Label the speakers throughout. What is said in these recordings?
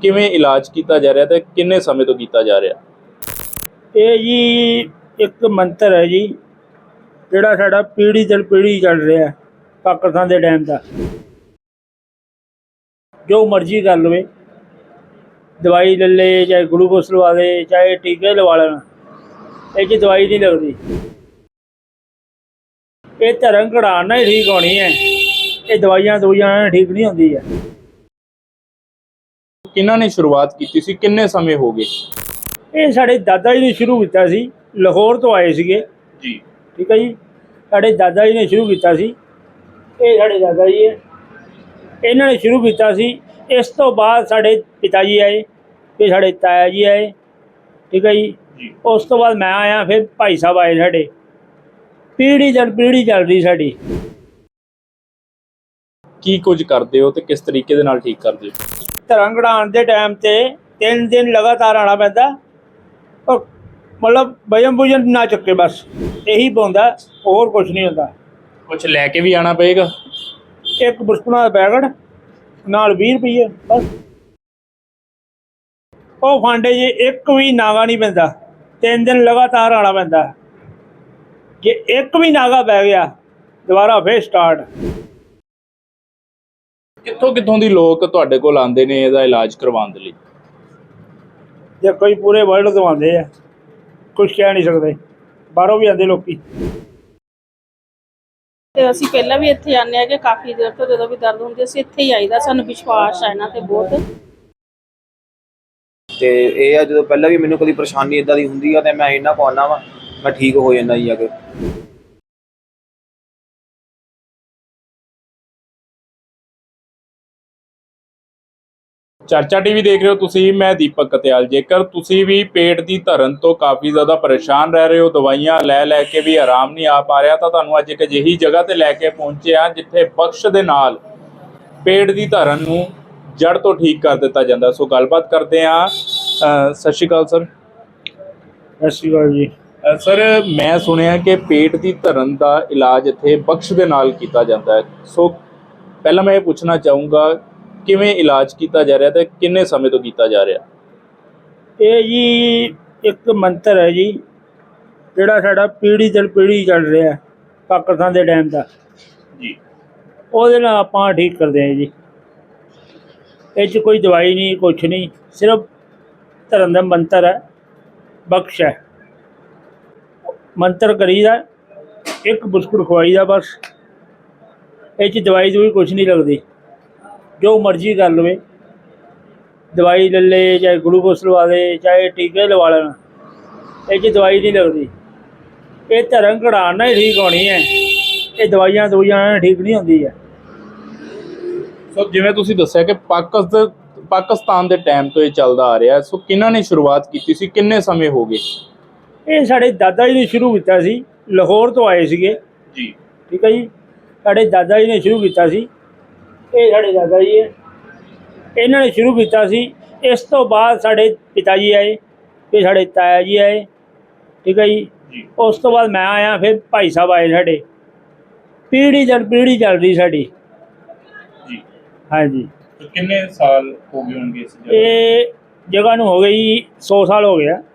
Speaker 1: ਕਿਵੇਂ ਇਲਾਜ ਕੀਤਾ ਜਾ ਰਿਹਾ ਤੇ ਕਿੰਨੇ ਸਮੇਂ ਤੋਂ ਕੀਤਾ ਜਾ ਰਿਹਾ?
Speaker 2: ਇਹ ਜੀ ਇੱਕ ਮੰਤਰ ਹੈ ਜੀ, ਜਿਹੜਾ ਸਾਡਾ ਪੀੜ੍ਹੀ ਦਰ ਪੀੜ੍ਹੀ ਚੱਲ ਰਿਹਾ ਪਾਕਿਸਤਾਨ ਦੇ ਟਾਈਮ ਦਾ। ਜੋ ਮਰਜ਼ੀ ਕਰ ਲਵੇ, ਦਵਾਈ ਲੈ ਲੇ, ਚਾਹੇ ਗਲੂਕੋਸ ਲਵਾ ਦੇ, ਚਾਹੇ ਟੀਕੇ ਲਵਾ ਲੈਣ, ਇਹ 'ਚ ਦਵਾਈ ਨਹੀਂ ਲੱਗਦੀ। ਇਹ ਧਰਮ ਘੜਾਉਣ ਨਾਲ ਹੀ ਠੀਕ ਹੋਣੀ ਹੈ, ਇਹ ਦਵਾਈਆਂ ਨਾਲ ਠੀਕ ਨਹੀਂ ਹੁੰਦੀ ਹੈ।
Speaker 1: ਕਿਹਨਾਂ ਨੇ ਸ਼ੁਰੂਆਤ ਕੀਤੀ ਸੀ, ਕਿੰਨੇ ਸਮੇਂ ਹੋ ਗਏ?
Speaker 2: ਇਹ ਸਾਡੇ ਦਾਦਾ ਜੀ ਨੇ ਸ਼ੁਰੂ ਕੀਤਾ ਸੀ, ਲਾਹੌਰ ਤੋਂ ਆਏ ਸੀਗੇ
Speaker 1: ਜੀ।
Speaker 2: ਠੀਕ ਹੈ ਜੀ, ਸਾਡੇ ਦਾਦਾ ਜੀ ਨੇ ਸ਼ੁਰੂ ਕੀਤਾ ਸੀ। ਇਹ ਸਾਡੇ ਦਾਦਾ ਜੀ ਹੈ, ਇਹਨਾਂ ਨੇ ਸ਼ੁਰੂ ਕੀਤਾ ਸੀ। ਇਸ ਤੋਂ ਬਾਅਦ ਸਾਡੇ ਪਿਤਾ ਜੀ ਆਏ, ਫਿਰ ਸਾਡੇ ਤਾਇਆ ਜੀ ਆਏ, ਠੀਕ ਹੈ ਜੀ। ਉਸ ਤੋਂ ਬਾਅਦ ਮੈਂ ਆਇਆ, ਫਿਰ ਭਾਈ ਸਾਹਿਬ ਆਏ ਸਾਡੇ। ਪੀੜ੍ਹੀ ਦਰ ਪੀੜ੍ਹੀ ਚੱਲ ਰਹੀ ਸਾਡੀ।
Speaker 1: ਕੀ ਕੁਝ ਕਰਦੇ ਹੋ ਤੇ ਕਿਸ ਤਰੀਕੇ ਦੇ ਨਾਲ ਠੀਕ ਕਰਦੇ ਹੋ?
Speaker 2: ਧਰਮ ਘੜਾਉਣ ਦੇ ਟਾਈਮ 'ਤੇ 3 ਦਿਨ ਲਗਾਤਾਰ ਆਉਣਾ ਪੈਂਦਾ, ਔਰ ਮਤਲਬ ਵਜਨ ਬੁਜਨ ਨਾ ਚੱਕੇ, ਬਸ ਇਹੀ ਪਾਉਂਦਾ, ਹੋਰ ਕੁਛ ਨਹੀਂ ਹੁੰਦਾ।
Speaker 1: ਕੁਝ ਲੈ ਕੇ ਵੀ ਆਣਾ ਪਏਗਾ?
Speaker 2: ਇੱਕ ਬਿਸਕੁਟਾਂ ਦਾ ਪੈਕਟ ਨਾਲ 20 ਰੁਪਏ ਬਸ। ਉਹ ਫਾਂਡੇ 'ਚ ਇੱਕ ਵੀ ਨਾਗਾ ਨਹੀਂ ਪੈਂਦਾ, 3 ਦਿਨ ਲਗਾਤਾਰ ਆਉਣਾ ਪੈਂਦਾ। ਜੇ ਇੱਕ ਵੀ ਨਾਗਾ ਪੈ ਗਿਆ, ਦੁਬਾਰਾ ਫਿਰ ਸਟਾਰਟ।
Speaker 1: ਕਿੱਥੋਂ ਦੀ ਲੋਕ ਤੁਹਾਡੇ ਕੋਲ ਆਉਂਦੇ ਨੇ ਇਹਦਾ ਇਲਾਜ ਕਰਵਾਉਣ ਦੇ ਲਈ?
Speaker 2: ਜੇ ਕੋਈ ਪੂਰੇ ਵਰਲਡ ਤੋਂ ਆਉਂਦੇ ਆ, ਕੁਛ ਕਹਿ ਨਹੀਂ ਸਕਦੇ, ਬਾਹਰੋਂ ਵੀ ਆਉਂਦੇ ਲੋਕੀ।
Speaker 3: ਤੇ ਅਸੀਂ ਪਹਿਲਾਂ ਵੀ ਇੱਥੇ ਆਉਂਦੇ ਆ ਕਿ ਕਾਫੀ ਦੇਰ ਤੋਂ ਜਦੋਂ ਵੀ ਦਰਦ ਹੁੰਦੀ ਅਸੀਂ ਇੱਥੇ ਹੀ ਆਈਦਾ, ਸਾਨੂੰ ਵਿਸ਼ਵਾਸ ਹੈ ਇਹਨਾਂ ਤੇ ਬਹੁਤ।
Speaker 4: ਤੇ ਇਹ ਆ, ਜਦੋਂ ਪਹਿਲਾਂ ਵੀ ਮੈਨੂੰ ਕਦੀ ਪਰੇਸ਼ਾਨੀ ਇਦਾਂ ਦੀ ਹੁੰਦੀ ਆ ਤੇ ਮੈਂ ਇਹਨਾਂ ਕੋਲ ਆਉਂਦਾ ਵਾ, ਮੈਂ ਠੀਕ ਹੋ ਜਾਂਦਾ ਜੀ। ਅੱਗੇ
Speaker 1: ਚਰਚਾ ਟੀਵੀ ਦੇਖ ਰਹੇ ਹੋ ਤੁਸੀਂ, ਮੈਂ ਦੀਪਕ ਕਤਿਆਲ। ਜੇਕਰ ਤੁਸੀਂ ਵੀ ਪੇਟ ਦੀ ਧਰਨ ਤੋਂ ਕਾਫੀ ਜ਼ਿਆਦਾ ਪਰੇਸ਼ਾਨ ਰਹਿ ਰਹੇ ਹੋ, ਦਵਾਈਆਂ ਲੈ ਕੇ ਵੀ ਆਰਾਮ ਨਹੀਂ ਆ ਪਾ ਰਿਹਾ, ਤਾਂ ਤੁਹਾਨੂੰ ਅੱਜ ਇੱਕ ਅਜਿਹੀ ਜਗ੍ਹਾ ਤੇ ਲੈ ਕੇ ਪਹੁੰਚੇ ਹਾਂ ਜਿੱਥੇ ਬਖਸ਼ ਦੇ ਨਾਲ ਪੇਟ ਦੀ ਧਰਨ ਨੂੰ ਜੜ ਤੋਂ ਠੀਕ ਕਰ ਦਿੱਤਾ ਜਾਂਦਾ। ਸੋ ਗੱਲਬਾਤ ਕਰਦੇ ਹਾਂ। ਸਤਿ ਸ਼੍ਰੀ ਅਕਾਲ ਸਰ।
Speaker 2: ਸਤਿ ਸ਼੍ਰੀ ਅਕਾਲ ਜੀ।
Speaker 1: ਸਰ, ਮੈਂ ਸੁਣਿਆ ਕਿ ਪੇਟ ਦੀ ਧਰਨ ਦਾ ਇਲਾਜ ਇੱਥੇ ਬਖਸ਼ ਦੇ ਨਾਲ ਕੀਤਾ ਜਾਂਦਾ ਹੈ। ਸੋ ਪਹਿਲਾਂ ਮੈਂ ਇਹ ਪੁੱਛਣਾ ਚਾਹੂੰਗਾ, ਕਿਵੇਂ ਇਲਾਜ ਕੀਤਾ ਜਾ ਰਿਹਾ ਤੇ ਕਿੰਨੇ ਸਮੇਂ ਤੋਂ ਕੀਤਾ ਜਾ ਰਿਹਾ?
Speaker 2: ਇਹ ਜੀ ਇੱਕ ਮੰਤਰ ਹੈ ਜੀ, ਜਿਹੜਾ ਸਾਡਾ ਪੀੜ੍ਹੀ ਦਰ ਪੀੜ੍ਹੀ ਚੱਲ ਰਿਹਾ ਪਾਕਿਸਤਾਨ ਦੇ ਟਾਈਮ ਦਾ
Speaker 1: ਜੀ।
Speaker 2: ਉਹਦੇ ਨਾਲ ਆਪਾਂ ਠੀਕ ਕਰਦੇ ਹਾਂ ਜੀ। ਇਹ 'ਚ ਕੋਈ ਦਵਾਈ ਨਹੀਂ, ਕੁਛ ਨਹੀਂ, ਸਿਰਫ ਧਰਮ ਦਾ ਮੰਤਰ ਹੈ, ਬਖਸ਼ ਹੈ। ਮੰਤਰ ਕਰੀਦਾ, ਇੱਕ ਬਿਸਕੁਟ ਖਵਾਈਦਾ ਬਸ। ਇਹ 'ਚ ਦਵਾਈ ਕੁਛ ਨਹੀਂ ਲੱਗਦੀ। ਜੋ ਮਰਜ਼ੀ ਕਰ ਲਵੇ, ਦਵਾਈ ਲੈ ਲੇ, ਚਾਹੇ ਗਲੂਕੋਸ ਲਵਾ ਦੇ, ਚਾਹੇ ਟੀਕੇ ਲਵਾ ਲੈਣ, ਇਹ 'ਚ ਦਵਾਈ ਨਹੀਂ ਲੱਗਦੀ। ਇਹ ਧਰਮ ਘੜਾਉਣ ਨਾਲ ਹੀ ਠੀਕ ਹੋਣੀ ਹੈ, ਇਹ ਦਵਾਈਆਂ ਨਾਲ ਠੀਕ ਨਹੀਂ ਹੁੰਦੀ ਹੈ।
Speaker 1: ਸੋ ਜਿਵੇਂ ਤੁਸੀਂ ਦੱਸਿਆ ਕਿ ਪਾਕਿਸਤਾਨ ਦੇ ਟਾਈਮ ਤੋਂ ਇਹ ਚੱਲਦਾ ਆ ਰਿਹਾ, ਸੋ ਕਿਹਨਾਂ ਨੇ ਸ਼ੁਰੂਆਤ ਕੀਤੀ ਸੀ, ਕਿੰਨੇ ਸਮੇਂ ਹੋ ਗਏ?
Speaker 2: ਇਹ ਸਾਡੇ ਦਾਦਾ ਜੀ ਨੇ ਸ਼ੁਰੂ ਕੀਤਾ ਸੀ, ਲਾਹੌਰ ਤੋਂ ਆਏ ਸੀਗੇ
Speaker 1: ਜੀ।
Speaker 2: ਠੀਕ ਹੈ ਜੀ, ਸਾਡੇ ਦਾਦਾ ਜੀ ਨੇ ਸ਼ੁਰੂ ਕੀਤਾ ਸੀ। ਇਹ ਸਾਡੇ ਦਾਦਾ ਜੀ ਹੈ, ਇਹਨਾਂ ਨੇ ਸ਼ੁਰੂ ਕੀਤਾ ਸੀ। ਇਸ ਤੋਂ ਬਾਅਦ ਸਾਡੇ ਪਿਤਾ ਜੀ ਆਏ, ਫਿਰ ਸਾਡੇ ਤਾਇਆ ਜੀ ਆਏ, ਠੀਕ ਹੈ ਜੀ। ਉਸ ਤੋਂ ਬਾਅਦ ਮੈਂ ਆਇਆ, ਫਿਰ ਭਾਈ ਸਾਹਿਬ ਆਏ ਸਾਡੇ। ਪੀੜ੍ਹੀ ਦਰ ਪੀੜ੍ਹੀ ਚੱਲ ਰਹੀ ਸਾਡੀ
Speaker 1: ਜੀ।
Speaker 2: ਹਾਂਜੀ।
Speaker 1: ਕਿੰਨੇ ਸਾਲ ਹੋ ਗਏ ਹੋਣਗੇ ਇਸ ਜਗ੍ਹਾ?
Speaker 2: ਇਹ ਜਗ੍ਹਾ ਨੂੰ ਹੋ ਗਈ 100 ਸਾਲ ਹੋ ਗਿਆ।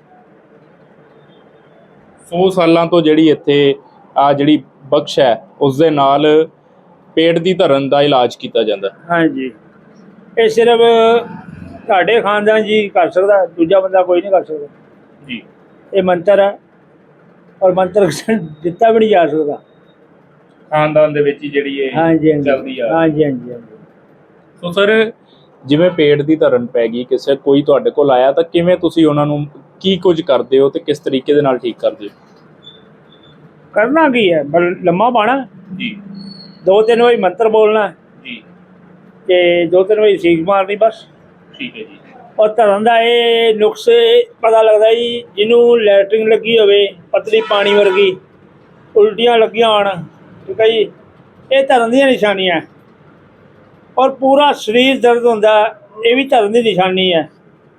Speaker 1: 100 ਸਾਲਾਂ ਤੋਂ ਜਿਹੜੀ ਇੱਥੇ ਜਿਹੜੀ ਬਖਸ਼ ਹੈ, ਉਸ ਦੇ ਨਾਲ ਪੇਟ ਦੀ ਧਰਨ ਦਾ ਇਲਾਜ ਕੀਤਾ ਜਾਂਦਾ।
Speaker 2: ਹਾਂਜੀ। ਇਹ ਸਿਰਫ ਤੁਹਾਡੇ ਖਾਨਦਾਨ ਜੀ ਕਰ ਸਕਦਾ, ਦੂਜਾ ਬੰਦਾ ਕੋਈ ਨਹੀਂ ਕਰ ਸਕਦਾ
Speaker 1: ਜੀ।
Speaker 2: ਇਹ ਮੰਤਰ ਹੈ, ਔਰ ਮੰਤਰ ਦਿੱਤਾ ਵੀ ਨਹੀਂ ਜਾ ਸਕਦਾ।
Speaker 1: ਖਾਨਦਾਨ ਦੇ ਵਿੱਚ ਹੀ ਜਿਹੜੀ ਇਹ ਚੱਲਦੀ ਆ।
Speaker 2: ਹਾਂਜੀ।
Speaker 1: ਸੋ ਸਰ, ਜਿਵੇਂ ਪੇਟ ਦੀ ਧਰਨ ਪੈ ਗਈ, ਕਿਸੇ ਕੋਈ ਤੁਹਾਡੇ ਕੋਲ ਆਇਆ, ਤਾਂ ਕਿਵੇਂ ਤੁਸੀਂ ਉਹਨਾਂ ਨੂੰ ਕੀ ਕੁਝ ਕਰਦੇ ਹੋ ਤੇ ਕਿਸ ਤਰੀਕੇ ਦੇ ਨਾਲ ਠੀਕ ਕਰਦੇ ਹੋ?
Speaker 2: ਕਰਨਾ ਕੀ ਹੈ, ਲੰਮਾ ਪਾਣਾ
Speaker 1: ਜੀ।
Speaker 2: 2-3 ਵਾਰੀ ਮੰਤਰ ਬੋਲਣਾ
Speaker 1: ਜੀ,
Speaker 2: ਤੇ 2-3 ਵਾਰੀ ਸੀਖ ਮਾਰਨੀ ਬਸ।
Speaker 1: ਠੀਕ ਹੈ ਜੀ।
Speaker 2: ਔਰ ਧਰਨ ਦਾ ਇਹ ਨੁਕਸੇ ਪਤਾ ਲੱਗਦਾ ਜੀ, ਜਿਹਨੂੰ ਲੈਟਰਿੰਗ ਲੱਗੀ ਹੋਵੇ ਪਤਲੀ ਪਾਣੀ ਵਰਗੀ, ਉਲਟੀਆਂ ਲੱਗੀਆਂ ਹੋਣ, ਠੀਕ ਹੈ ਜੀ, ਇਹ ਧਰਨ ਦੀਆਂ ਨਿਸ਼ਾਨੀਆਂ। ਔਰ ਪੂਰਾ ਸਰੀਰ ਦਰਦ ਹੁੰਦਾ, ਇਹ ਵੀ ਧਰਨ ਦੀ ਨਿਸ਼ਾਨੀ ਹੈ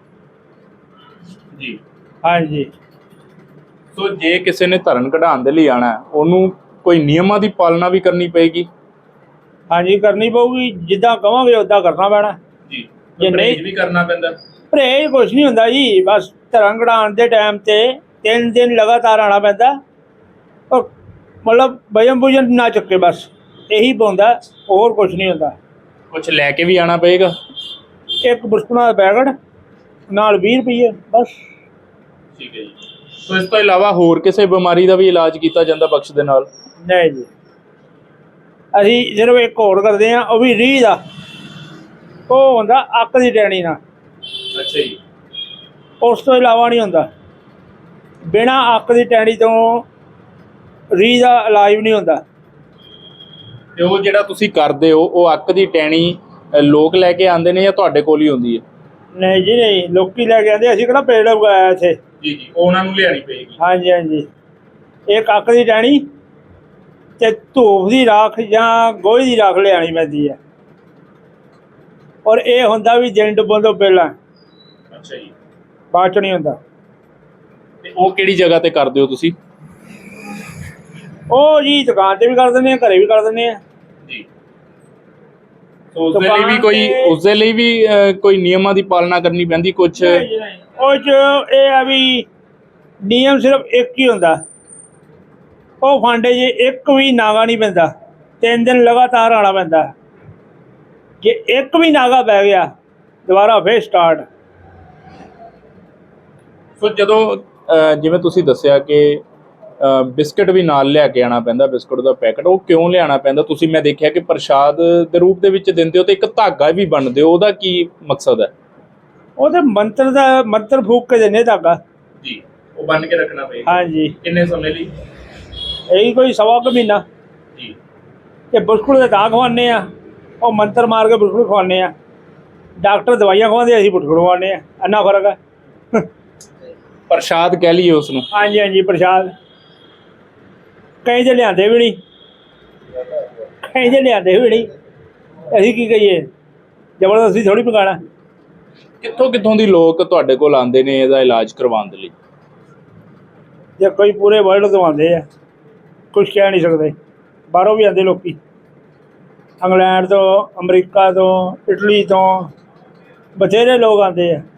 Speaker 1: ਜੀ।
Speaker 2: ਹਾਂਜੀ।
Speaker 1: ਸੋ ਜੇ ਕਿਸੇ ਨੇ ਧਰਨ ਕਢਾਉਣ ਦੇ ਲਈ ਆਣਾ, ਉਹਨੂੰ ਕੋਈ ਨਿਯਮਾਂ ਦੀ ਪਾਲਣਾ ਵੀ ਕਰਨੀ ਪਏਗੀ?
Speaker 2: ਹਾਂਜੀ, ਕਰਨੀ ਪਊਗੀ। ਜਿੱਦਾਂ ਕਹਾਂਗੇ ਉੱਦਾਂ ਕਰਨਾ ਪੈਣਾ
Speaker 1: ਜੀ।
Speaker 2: ਜੇ ਨਹੀਂ
Speaker 1: ਪਰਹੇਜ਼ ਵੀ ਕਰਨਾ ਪੈਂਦਾ।
Speaker 2: ਪਰਹੇਜ਼ ਕੁਛ ਨਹੀਂ ਹੁੰਦਾ ਜੀ, ਬਸ ਧਰਮ ਕਢਾਉਣ ਦੇ ਟਾਈਮ ਤੇ 3 ਦਿਨ ਲਗਾਤਾਰ ਆਉਣਾ ਪੈਂਦਾ, ਔਰ ਮਤਲਬ ਵਜਨ ਭੁਜਨ ਨਾ ਚੱਕੇ, ਬਸ ਇਹੀ ਪਾਉਂਦਾ, ਹੋਰ ਕੁਛ ਨਹੀਂ ਹੁੰਦਾ।
Speaker 1: ਕੁਝ ਲੈ ਕੇ ਵੀ ਆਣਾ ਪਏਗਾ।
Speaker 2: ਇੱਕ ਬਿਸਕੁਟਾਂ ਦਾ ਪੈਕਟ ਨਾਲ 20 ਰੁਪਏ ਬਸ।
Speaker 1: ਠੀਕ ਹੈ ਜੀ। ਸੋ ਇਸ ਤੋਂ ਇਲਾਵਾ ਹੋਰ ਕਿਸੇ ਬਿਮਾਰੀ ਦਾ ਵੀ ਇਲਾਜ ਕੀਤਾ ਜਾਂਦਾ ਬਖਸ਼ ਦੇ ਨਾਲ?
Speaker 2: ਨਹੀਂ ਜੀ, ਅਸੀਂ ਸਿਰਫ ਇੱਕ ਹੋਰ ਕਰਦੇ ਹਾਂ, ਉਹ ਵੀ ਰੀਹ ਦਾ, ਉਹ ਹੁੰਦਾ ਅੱਕ ਦੀ ਟੈਣੀ ਨਾਲ।
Speaker 1: ਅੱਛਾ ਜੀ।
Speaker 2: ਉਸ ਤੋਂ ਇਲਾਵਾ ਨਹੀਂ ਹੁੰਦਾ। ਬਿਨਾਂ ਅੱਕ ਦੀ ਟੈਣੀ ਤੋਂ ਰੀਹ ਦਾ ਇਲਾਜ ਵੀ ਨਹੀਂ ਹੁੰਦਾ।
Speaker 1: ਤੇ ਉਹ ਜਿਹੜਾ ਤੁਸੀਂ ਕਰਦੇ ਹੋ, ਉਹ ਅੱਕ ਦੀ ਟੈਣੀ ਲੋਕ ਲੈ ਕੇ ਆਉਂਦੇ ਨੇ ਜਾਂ ਤੁਹਾਡੇ ਕੋਲ ਹੀ ਹੁੰਦੀ ਹੈ?
Speaker 2: ਨਹੀਂ ਜੀ ਨਹੀਂ, ਲੋਕੀ ਲੈ ਕੇ ਆਉਂਦੇ, ਅਸੀਂ ਕਿਹੜਾ ਪੇੜ ਉਗਾਇਆ ਇੱਥੇ।
Speaker 1: ਜੀ ਜੀ, ਉਹ ਉਹਨਾਂ ਨੂੰ ਲਿਆਣੀ ਪਏਗੀ।
Speaker 2: ਹਾਂਜੀ ਹਾਂਜੀ, ਇੱਕ ਅੱਕ ਦੀ ਟਹਿਣੀ ਤੇ ਧੂਫ ਦੀ ਰਾਖ ਜਾਂ ਗੋਹੇ ਦੀ ਰਾਖ ਲਿਆਉਣੀ ਪੈਂਦੀ ਹੈ, ਔਰ ਇਹ ਹੁੰਦਾ ਵੀ ਦਿਨ ਡੁੱਬਣ ਤੋਂ ਪਹਿਲਾਂ,
Speaker 1: ਅੱਛਾ ਜੀ।
Speaker 2: ਬਾਅਦ 'ਚ ਨਹੀਂ ਹੁੰਦਾ।
Speaker 1: ਤੇ ਉਹ ਕਿਹੜੀ ਜਗ੍ਹਾ ਤੇ ਕਰਦੇ ਹੋ ਤੁਸੀਂ?
Speaker 2: ਉਹ ਜੀ ਦੁਕਾਨ 'ਤੇ ਵੀ ਕਰ ਦਿੰਦੇ ਹਾਂ, ਘਰੇ ਵੀ ਕਰ ਦਿੰਦੇ ਹਾਂ
Speaker 1: ਜੀ। ਸੋ ਉਸ ਦੇ ਲਈ ਵੀ ਕੋਈ
Speaker 2: ਦੁਕਾਨ ਤੇ-
Speaker 1: ਉਸ ਦੇ ਲਈ ਵੀ ਕੋਈ ਨਿਯਮਾਂ ਦੀ ਪਾਲਣਾ ਕਰਨੀ ਪੈਂਦੀ ਕੁਝ?
Speaker 2: ਨਹੀਂ ਜੀ ਨਹੀਂ, ਉਹ 'ਚ ਇਹ ਆ ਵੀ ਨਿਯਮ ਸਿਰਫ ਇੱਕ ਹੀ ਹੁੰਦਾ, ਉਹ ਫਾਂਡੇ 'ਚ ਇੱਕ ਵੀ ਨਾਗਾ ਨਹੀਂ ਪੈਂਦਾ, 3 ਦਿਨ ਲਗਾਤਾਰ ਆਉਣਾ ਪੈਂਦਾ। ਜੇ ਇੱਕ ਵੀ ਨਾਗਾ ਪੈ ਗਿਆ, ਦੁਬਾਰਾ ਫੇਰ ਸਟਾਰਟ।
Speaker 1: ਸੋ ਜਦੋਂ ਜਿਵੇਂ ਤੁਸੀਂ ਦੱਸਿਆ ਕਿ ਬਿਸਕਟ ਵੀ ਨਾਲ ਲਿਆ ਕੇ ਆਉਣਾ ਪੈਂਦਾ, ਬਿਸਕੁਟ ਦਾ ਪੈਕਟ, ਉਹ ਕਿਉਂ ਲਿਆਉਣਾ ਪੈਂਦਾ? ਤੁਸੀਂ ਮੈਂ ਦੇਖਿਆ ਕਿ ਪ੍ਰਸ਼ਾਦ ਦੇ ਰੂਪ ਦੇ ਵਿੱਚ ਦਿੰਦੇ ਹੋ ਤੇ ਇੱਕ ਧਾਗਾ ਵੀ ਬੰਨ੍ਹਦੇ ਹੋ, ਉਹਦਾ ਕੀ ਮਕਸਦ ਹੈ?
Speaker 2: ਉਹਦੇ ਮੰਤਰ ਫੂਕ ਕੇ ਦਿੰਦੇ ਧਾਗਾ।
Speaker 1: ਜੀ, ਉਹ ਬੰਨ੍ਹ ਕੇ ਰੱਖਣਾ ਪਏਗਾ।
Speaker 2: ਹਾਂਜੀ,
Speaker 1: ਕਿੰਨੇ ਸਮੇਂ ਲਈ?
Speaker 2: ਇਹੀ ਕੋਈ ਸਵਾ ਕੁ ਮਹੀਨਾ।
Speaker 1: ਜੀ।
Speaker 2: ਤੇ ਬਿਸਕੁਟ ਦੇ ਤਾਂ ਖਵਾਉਂਦੇ ਆ, ਉਹ ਮੰਤਰ ਮਾਰ ਕੇ ਬਿਸਕੁਟ ਖਵਾਉਂਦੇ ਆ। ਡਾਕਟਰ ਦਵਾਈਆਂ ਖਵਾਉਂਦੇ, ਅਸੀਂ ਬਿਸਕੁਟ ਖਵਾਉਂਦੇ ਆ, ਇੰਨਾ ਫਰਕ ਹੈ।
Speaker 1: ਪ੍ਰਸ਼ਾਦ ਕਹਿ ਲਈਏ ਉਸ ਨੂੰ।
Speaker 2: ਹਾਂਜੀ ਹਾਂਜੀ, ਪ੍ਰਸ਼ਾਦ। ਕਈ ਤੇ ਲਿਆਂਦੇ ਵੀ ਨਹੀਂ, ਅਸੀਂ ਕੀ ਕਹੀਏ, ਜ਼ਬਰਦਸਤੀ ਥੋੜ੍ਹੀ ਪਕਾਉਣਾ।
Speaker 1: ਕਿੱਥੋਂ ਕਿੱਥੋਂ ਦੀ ਲੋਕ ਤੁਹਾਡੇ ਕੋਲ ਆਉਂਦੇ ਨੇ ਇਹਦਾ ਇਲਾਜ ਕਰਵਾਉਣ ਦੇ ਲਈ?
Speaker 2: ਜੇ ਕੋਈ ਪੂਰੇ ਵਰਲਡ ਤੋਂ ਆਉਂਦੇ ਆ, ਕੁਛ ਕਹਿ ਨਹੀਂ ਸਕਦੇ। ਬਾਹਰੋਂ ਵੀ ਆਉਂਦੇ ਲੋਕੀ, ਇੰਗਲੈਂਡ ਤੋਂ, ਅਮਰੀਕਾ ਤੋਂ, ਇਟਲੀ ਤੋਂ, ਬਥੇਰੇ ਲੋਕ ਆਉਂਦੇ ਆ।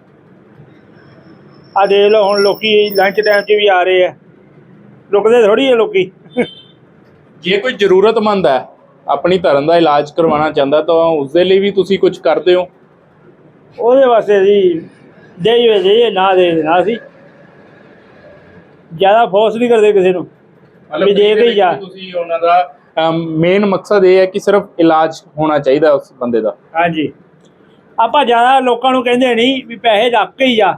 Speaker 2: ਆ ਦੇਖ ਲਓ, ਹੁਣ ਲੋਕੀ ਲੰਚ ਟਾਈਮ 'ਚ ਵੀ ਆ ਰਹੇ ਆ, ਰੁਕਦੇ ਥੋੜ੍ਹੀ ਆ ਲੋਕੀ।
Speaker 1: ਜੇ ਕੋਈ ਜ਼ਰੂਰਤਮੰਦ ਹੈ, ਆਪਣੀ ਧਰਨ ਦਾ ਇਲਾਜ ਕਰਵਾਉਣਾ ਚਾਹੁੰਦਾ, ਤਾਂ ਉਸ ਦੇ ਲਈ ਵੀ ਤੁਸੀਂ ਕੁਝ ਕਰਦੇ ਹੋ?
Speaker 2: ਉਹਦੇ ਵਾਸਤੇ ਅਸੀਂ ਦੇਈਏ ਨਾ ਦੇਣਾ, ਅਸੀਂ ਜ਼ਿਆਦਾ ਫੋਰਸ ਨਹੀਂ ਕਰਦੇ ਕਿਸੇ ਨੂੰ ਵੀ ਦੇ ਕੇ ਹੀ ਜਾ।
Speaker 1: ਤੁਸੀਂ ਉਹਨਾਂ ਦਾ ਮੇਨ ਮਕਸਦ ਇਹ ਹੈ ਕਿ ਸਿਰਫ ਇਲਾਜ ਹੋਣਾ ਚਾਹੀਦਾ ਉਸ ਬੰਦੇ ਦਾ।
Speaker 2: ਹਾਂਜੀ, ਆਪਾਂ ਜ਼ਿਆਦਾ ਲੋਕਾਂ ਨੂੰ ਕਹਿੰਦੇ ਨਹੀਂ ਵੀ ਪੈਸੇ ਰੱਖ ਕੇ ਹੀ ਜਾ।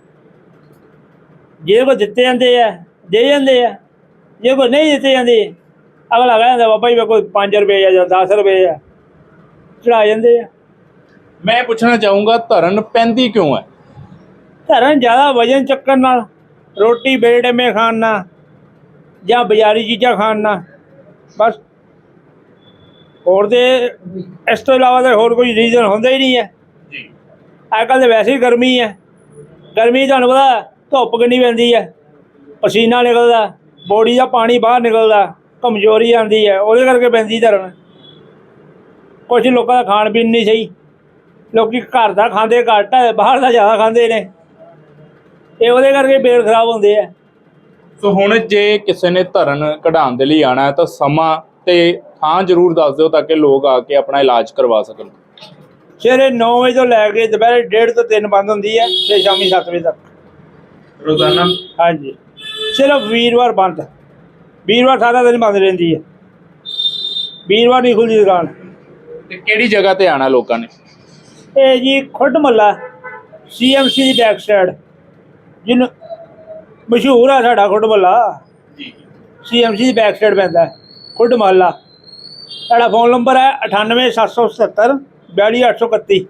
Speaker 2: ਜਿਹਦੇ ਕੋਲ ਦਿੱਤੇ ਜਾਂਦੇ ਆ ਦੇ ਜਾਂਦੇ ਆ, ਜੇ ਕੋਈ ਨਹੀਂ ਦਿੱਤੇ ਜਾਂਦੇ, ਅਗਲਾ ਕਹਿ ਜਾਂਦਾ ਬਾਬਾ ਜੀ ਮੇਰੇ ਕੋਲ 5 ਰੁਪਏ ਆ ਜਾਂ 10 ਰੁਪਏ ਆ, ਚੜਾ ਜਾਂਦੇ ਆ।
Speaker 1: ਮੈਂ ਪੁੱਛਣਾ ਚਾਹੂੰਗਾ, ਧਰਨ ਪੈਂਦੀ ਕਿਉਂ ਹੈ?
Speaker 2: ਧਰਨ ਜ਼ਿਆਦਾ ਵਜਨ ਚੱਕਣ ਨਾਲ, ਰੋਟੀ ਬੇਟੇਮੇ ਖਾਣ ਨਾਲ, ਜਾਂ ਬਾਜ਼ਾਰੀ ਚੀਜ਼ਾਂ ਖਾਣ ਨਾਲ, ਬਸ। ਹੋਰ ਤੇ ਇਸ ਤੋਂ ਇਲਾਵਾ ਤਾਂ ਹੋਰ ਕੋਈ ਰੀਜ਼ਨ ਹੁੰਦਾ ਹੀ ਨਹੀਂ ਹੈ।
Speaker 1: ਜੀ।
Speaker 2: ਅੱਜ ਕੱਲ੍ਹ ਤਾਂ ਵੈਸੇ ਹੀ ਗਰਮੀ ਹੈ, ਗਰਮੀ ਤੁਹਾਨੂੰ ਪਤਾ ਧੁੱਪ ਕਿੰਨੀ ਪੈਂਦੀ ਹੈ, ਪਸੀਨਾ ਨਿਕਲਦਾ, ਬੋਡੀ ਦਾ ਪਾਣੀ ਬਾਹਰ ਨਿਕਲਦਾ, ਕਮਜ਼ੋਰੀ ਆਉਂਦੀ ਹੈ, ਉਹਦੇ ਕਰਕੇ ਪੈਂਦੀ ਧਰਨ। ਕੁਛ ਲੋਕਾਂ ਦਾ ਖਾਣ ਪੀਣ ਨਹੀਂ ਸਹੀ, ਲੋਕੀ ਘਰ ਦਾ ਖਾਂਦੇ ਘੱਟ ਹੈ, ਬਾਹਰ ਦਾ ਜ਼ਿਆਦਾ ਖਾਂਦੇ ਨੇ, ਇਹ ਉਹਦੇ ਕਰਕੇ ਪੇਟ ਖਰਾਬ ਹੁੰਦੇ ਆ।
Speaker 1: ਸੋ ਹੁਣ ਜੇ ਕਿਸੇ ਨੇ ਧਰਨ ਕਢਾਉਣ ਦੇ ਲਈ ਆਉਣਾ ਹੈ ਤਾਂ ਸਮਾਂ ਤੇ ਥਾਂ ਜ਼ਰੂਰ ਦੱਸ ਦਿਓ ਤਾਂ ਕਿ ਲੋਕ ਆ ਕੇ ਆਪਣਾ ਇਲਾਜ ਕਰਵਾ ਸਕਣ।
Speaker 2: ਸਵੇਰੇ 9 ਵਜੇ ਤੋਂ ਲੈ ਕੇ ਦੁਪਹਿਰੇ 1:30 ਤੋਂ 3 ਬੰਦ ਹੁੰਦੀ ਹੈ, ਤੇ ਸ਼ਾਮੀ 7 ਵਜੇ ਤੱਕ
Speaker 1: ਰੋਜ਼ਾਨਾ?
Speaker 2: ਹਾਂਜੀ, ਸਿਰਫ ਵੀਰਵਾਰ ਬੰਦ, ਵੀਰਵਾਰ ਸਾਰਾ ਦਿਨ ਬੰਦ ਰਹਿੰਦੀ ਹੈ, ਵੀਰਵਾਰ ਨਹੀਂ ਖੁੱਲ੍ਹਦੀ ਦੁਕਾਨ।
Speaker 1: ਤੇ ਕਿਹੜੀ ਜਗ੍ਹਾ ਤੇ ਆਉਣਾ ਲੋਕਾਂ ਨੇ?
Speaker 2: ਇਹ ਜੀ ਖੁੱਡ ਮਹੱਲਾ CMC ਦੀ ਬੈਕ ਸਾਈਡ, ਜਿਹਨੂੰ ਮਸ਼ਹੂਰ ਆ ਸਾਡਾ ਖੁੱਡ ਮਹੱਲਾ,
Speaker 1: ਜੀ।
Speaker 2: CMC ਦੀ ਬੈਕ ਸਾਈਡ ਪੈਂਦਾ ਖੁੱਡ ਮਹੱਲਾ। ਸਾਡਾ ਫੋਨ ਨੰਬਰ ਹੈ 98777 42831।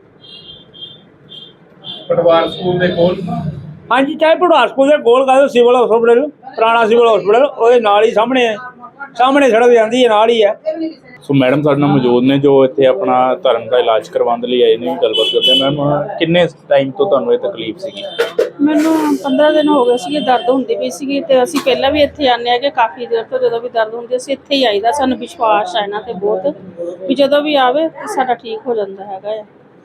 Speaker 1: ਪਟਵਾਰ ਸਕੂਲ ਦੇ ਕੋਲ?
Speaker 2: ਹਾਂਜੀ, ਚਾਹੇ ਪੜਵਾਰ ਸਕੂਲ ਦੇ ਕੋਲ ਕਰ ਦਿਓ, ਸਿਵਲ ਹਸਪੀਟਲ, ਪੁਰਾਣਾ ਸਿਵਲ ਹਸਪੀਟਲ, ਉਹਦੇ ਨਾਲ ਹੀ ਸਾਹਮਣੇ ਹੈ, ਸਾਹਮਣੇ ਸੜਕ ਜਾਂਦੀ ਹੈ, ਨਾਲ ਹੀ ਹੈ।
Speaker 1: ਸੋ ਮੈਡਮ ਸਾਡੇ ਨਾਲ ਮੌਜੂਦ ਨੇ ਜੋ ਇੱਥੇ ਆਪਣਾ ਧਰਨ ਦਾ ਇਲਾਜ ਕਰਵਾਉਣ ਦੇ ਲਈ ਆਏ ਨੇ, ਗੱਲਬਾਤ ਕਰਦੇ ਹਾਂ। ਮੈਮ, ਕਿੰਨੇ ਟਾਈਮ ਤੋਂ ਤੁਹਾਨੂੰ ਇਹ ਤਕਲੀਫ ਸੀਗੀ?
Speaker 3: ਮੈਨੂੰ 15 ਦਿਨ ਹੋ ਗਏ ਸੀਗੇ, ਦਰਦ ਹੁੰਦੀ ਪਈ ਸੀਗੀ, ਤੇ ਅਸੀਂ ਪਹਿਲਾਂ ਵੀ ਇੱਥੇ ਆਉਂਦੇ ਹਾਂ ਕਿ ਕਾਫੀ ਦੇਰ ਤੋਂ ਜਦੋਂ ਵੀ ਦਰਦ ਹੁੰਦੀ ਅਸੀਂ ਇੱਥੇ ਹੀ ਆਈਦਾ। ਸਾਨੂੰ ਵਿਸ਼ਵਾਸ ਹੈ ਇਹਨਾਂ ਤੇ ਬਹੁਤ, ਵੀ ਜਦੋਂ ਵੀ ਆਵੇ ਤਾਂ ਸਾਡਾ ਠੀਕ ਹੋ ਜਾਂਦਾ ਹੈਗਾ ਆ।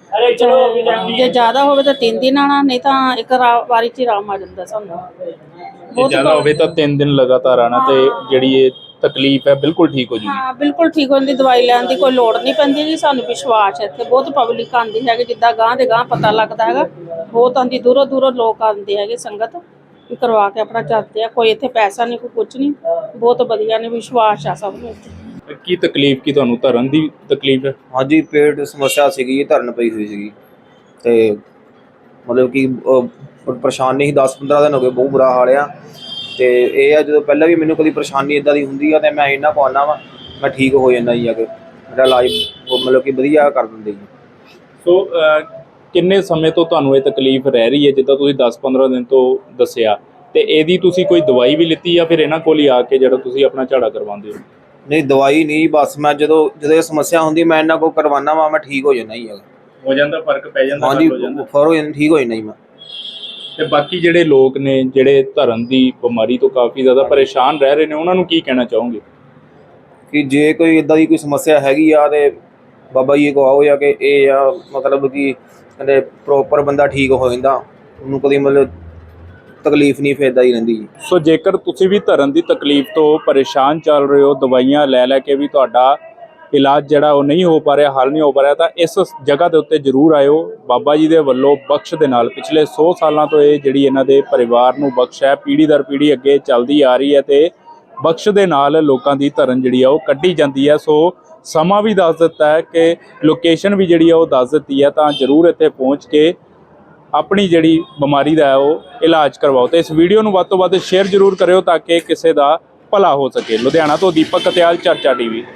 Speaker 3: ਜੇ ਜ਼ਿਆਦਾ ਹੋਵੇ ਤਾਂ 3 ਦਿਨ ਆਣਾ, ਨਹੀਂ ਤਾਂ ਇੱਕ ਵਾਰੀ 'ਚ ਹੀ ਆਰਾਮ ਆ ਜਾਂਦਾ ਸਾਨੂੰ।
Speaker 1: ਜੇ ਜ਼ਿਆਦਾ ਹੋਵੇ ਤਾਂ 3 ਦਿਨ ਲਗਾਤਾਰ ਆਣਾ ਤੇ ਜਿਹੜੀ ਇਹ ਤਕਲੀਫ ਹੈ ਬਿਲਕੁਲ ਠੀਕ ਹੋ ਜੂਗੀ।
Speaker 3: ਹਾਂ ਬਿਲਕੁਲ ਠੀਕ ਹੋ ਜਾਂਦੀ, ਦਵਾਈ ਲੈਣ ਦੀ ਕੋਈ ਲੋੜ ਨਹੀਂ ਪੈਂਦੀ ਜੀ। ਸਾਨੂੰ ਵਿਸ਼ਵਾਸ ਹੈ, ਇੱਥੇ ਬਹੁਤ ਪਬਲਿਕ ਆਉਂਦੀ ਹੈਗੀ, ਜਿੱਦਾਂ ਗਾਂ ਦੇ ਗਾਂ ਪਤਾ ਲੱਗਦਾ ਹੈਗਾ, ਬਹੁਤ ਆਉਂਦੀ, ਦੂਰੋਂ ਦੂਰੋਂ ਲੋਕ ਆਉਂਦੇ ਹੈਗੇ, ਸੰਗਤ ਵੀ ਕਰਵਾ ਕੇ ਆਪਣਾ ਜਾਂਦੇ ਆ। ਕੋਈ ਇੱਥੇ ਪੈਸਾ ਨਹੀਂ, ਕੋਈ ਕੁਝ ਨਹੀਂ, ਬਹੁਤ ਵਧੀਆ ਨੇ, ਵਿਸ਼ਵਾਸ ਆ ਸਭ ਨੂੰ ਇੱਥੇ।
Speaker 1: ਕੀ ਤਕਲੀਫ ਕੀ ਤੁਹਾਨੂੰ ਧਰਨ ਦੀ ਤਕਲੀਫ ਹੈ?
Speaker 4: ਹਾਂਜੀ, ਪੇਟ ਸਮੱਸਿਆ ਸੀਗੀ, ਧਰਨ ਪਈ ਹੋਈ ਸੀਗੀ ਤੇ ਮਤਲਬ ਕਿ ਪਰੇਸ਼ਾਨੀ ਸੀ। 10-15 ਦਿਨ ਹੋ ਗਏ, ਬਹੁਤ ਬੁਰਾ ਹਾਲ ਆ। ਤੇ ਇਹ ਆ, ਜਦੋਂ ਪਹਿਲਾਂ ਵੀ ਮੈਨੂੰ ਕਦੀ ਪਰੇਸ਼ਾਨੀ ਇਦਾਂ ਦੀ ਹੁੰਦੀ ਆ ਤੇ ਮੈਂ ਇਹਨਾਂ ਕੋਲ ਆਉਂਦਾ ਵਾ, ਮੈਂ ਠੀਕ ਹੋ ਜਾਂਦਾ ਜੀ। ਆ ਕੇ ਮੇਰਾ ਇਲਾਜ ਮਤਲਬ ਕਿ ਵਧੀਆ ਕਰ ਦਿੰਦੇ ਜੀ।
Speaker 1: ਸੋ ਕਿੰਨੇ ਸਮੇਂ ਤੋਂ ਤੁਹਾਨੂੰ ਇਹ ਤਕਲੀਫ ਰਹਿ ਰਹੀ ਹੈ? ਜਿੱਦਾਂ ਤੁਸੀਂ 10-15 ਦਿਨ ਤੋਂ ਦੱਸਿਆ, ਤੇ ਇਹਦੀ ਤੁਸੀਂ ਕੋਈ ਦਵਾਈ ਵੀ ਲਿੱਤੀ ਜਾਂ ਫਿਰ ਇਹਨਾਂ ਕੋਲ ਹੀ ਆ ਕੇ ਜਿਹੜਾ ਤੁਸੀਂ ਆਪਣਾ ਝਾੜਾ ਕਰਵਾਉਂਦੇ ਹੋ?
Speaker 4: ਨਹੀਂ, ਦਵਾਈ ਨਹੀਂ, ਬਸ ਮੈਂ ਜਦੋਂ ਇਹ ਸਮੱਸਿਆ ਹੁੰਦੀ ਮੈਂ ਇਹਨਾਂ ਕੋਲ ਕਰਵਾਉਣਾ ਵਾ, ਮੈਂ ਠੀਕ ਹੋ ਜਾਂਦਾ ਜੀ।
Speaker 1: ਹੋ ਜਾਂਦਾ, ਫਰਕ ਪੈ ਜਾਂਦਾ?
Speaker 4: ਹਾਂਜੀ, ਫਰ ਹੋ ਜਾਂਦਾ, ਠੀਕ ਹੋ ਜਾਂਦਾ ਜੀ ਮੈਂ।
Speaker 1: ਤੇ ਬਾਕੀ ਜਿਹੜੇ ਲੋਕ ਨੇ ਜਿਹੜੇ ਧਰਨ ਦੀ ਬਿਮਾਰੀ ਤੋਂ ਕਾਫੀ ਜ਼ਿਆਦਾ ਪਰੇਸ਼ਾਨ ਰਹਿ ਰਹੇ ਨੇ, ਉਹਨਾਂ ਨੂੰ ਕੀ ਕਹਿਣਾ ਚਾਹੋਗੇ?
Speaker 4: ਕਿ ਜੇ ਕੋਈ ਇਦਾਂ ਦੀ ਕੋਈ ਸਮੱਸਿਆ ਹੈਗੀ ਆ ਤੇ ਬਾਬਾ ਜੀ ਕੋ ਆਓ, ਜਾਂ ਕਿ ਇਹ ਆ ਮਤਲਬ ਕਿ ਕਹਿੰਦੇ ਪ੍ਰੋਪਰ ਬੰਦਾ ਠੀਕ ਹੋ ਜਾਂਦਾ, ਉਹਨੂੰ ਕਦੀ ਮਤਲਬ ਤਕਲੀਫ ਨਹੀਂ ਫੇਰਦਾ ਹੀ ਰਹਿੰਦੀ ਜੀ।
Speaker 1: ਸੋ ਜੇਕਰ ਤੁਸੀਂ ਵੀ ਧਰਨ ਦੀ ਤਕਲੀਫ ਤੋਂ ਪਰੇਸ਼ਾਨ ਚੱਲ ਰਹੇ ਹੋ, ਦਵਾਈਆਂ ਲੈ ਕੇ ਵੀ ਤੁਹਾਡਾ ਇਲਾਜ ਜਿਹੜਾ ਉਹ ਨਹੀਂ ਹੋ ਪਾ ਰਿਹਾ, ਹੱਲ ਨਹੀਂ ਹੋ ਪਾ ਰਿਹਾ, ਤਾਂ ਇਸ ਜਗ੍ਹਾ ਦੇ ਉੱਤੇ ਜ਼ਰੂਰ ਆਇਓ। ਬਾਬਾ ਜੀ ਦੇ ਵੱਲੋਂ ਬਖਸ਼ ਦੇ ਨਾਲ ਪਿਛਲੇ 100 ਸਾਲਾਂ ਤੋਂ ਇਹ ਜਿਹੜੀ ਇਹਨਾਂ ਦੇ ਪਰਿਵਾਰ ਨੂੰ ਬਖਸ਼ ਹੈ, ਪੀੜ੍ਹੀ ਦਰ ਪੀੜ੍ਹੀ ਅੱਗੇ ਚੱਲਦੀ ਆ ਰਹੀ ਹੈ, ਤੇ ਬਖਸ਼ ਦੇ ਨਾਲ ਲੋਕਾਂ ਦੀ ਧਰਨ ਜਿਹੜੀ ਆ ਉਹ ਕੱਢੀ ਜਾਂਦੀ ਹੈ। ਸੋ ਸਮਾਂ ਵੀ ਦੱਸ ਦਿੱਤਾ ਹੈ ਕਿ ਲੋਕੇਸ਼ਨ ਵੀ ਜਿਹੜੀ ਆ ਉਹ ਦੱਸ ਦਿੱਤੀ ਹੈ, ਤਾਂ ਜ਼ਰੂਰ ਇੱਥੇ ਪਹੁੰਚ ਕੇ ਆਪਣੀ ਜਿਹੜੀ ਬਿਮਾਰੀ ਦਾ ਹੈ ਉਹ ਇਲਾਜ ਕਰਵਾਓ। ਤੇ ਇਸ ਵੀਡੀਓ ਨੂੰ ਵੱਧ ਤੋਂ ਵੱਧ ਸ਼ੇਅਰ ਜ਼ਰੂਰ ਕਰਿਓ ਤਾਂ ਕਿ ਕਿਸੇ ਦਾ ਭਲਾ ਹੋ ਸਕੇ। ਲੁਧਿਆਣਾ ਤੋਂ ਦੀਪਕ ਕਤਿਆਲ, ਚਰਚਾ ਟੀਵੀ।